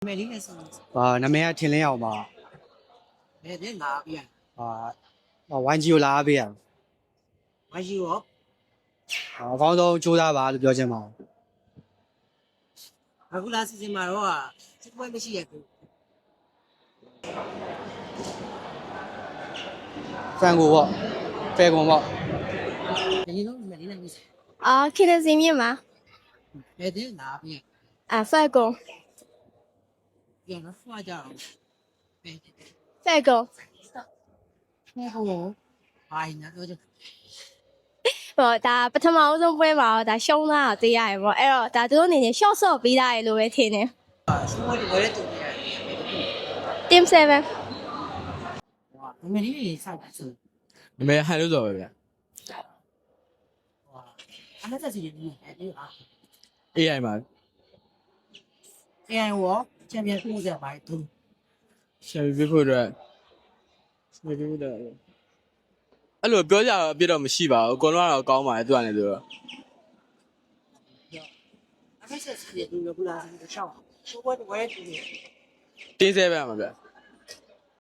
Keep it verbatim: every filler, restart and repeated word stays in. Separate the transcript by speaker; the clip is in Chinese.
Speaker 1: 没领的是
Speaker 2: 啊，那边天亮嘛，
Speaker 1: 没得那边，
Speaker 2: 啊，啊，玩具有哪边？
Speaker 1: 还有哦，
Speaker 2: 啊，广东九大坝的表姐嘛，
Speaker 1: 那个那是什么的话，这个没写过。
Speaker 2: 反过我，反过我，
Speaker 1: 那你都没领的你是
Speaker 3: 啊，看得见面吗？
Speaker 1: 没得那边，
Speaker 3: 啊，法国，
Speaker 1: 原来花家没得，
Speaker 3: 法国，
Speaker 1: 那个，哎，那个就
Speaker 3: 哦，但不他妈我都不会嘛，但想啦，对呀，我哎呦，但这种年纪小时候比他路会听呢。
Speaker 1: 是我的我的东西，
Speaker 3: 点三分，
Speaker 1: 哇，我没领的啥子事，
Speaker 4: 你们还留着外边
Speaker 1: 哇，他们在这里面还有啊，
Speaker 4: ？A I 嘛，
Speaker 1: 哎我前面我在外头，
Speaker 4: 前面俾佢哋，前面俾佢哋。အဲ့လိုပြောကြတော့ပြတော့မရှိပါဘူးအကုန်လုံးကတော့ကောင်းပါတယ်သူကလည်းသူတော့
Speaker 1: 他们在这里面不那是少，是我的我的东西。
Speaker 4: တင်းဆဲပဲမှာဗျ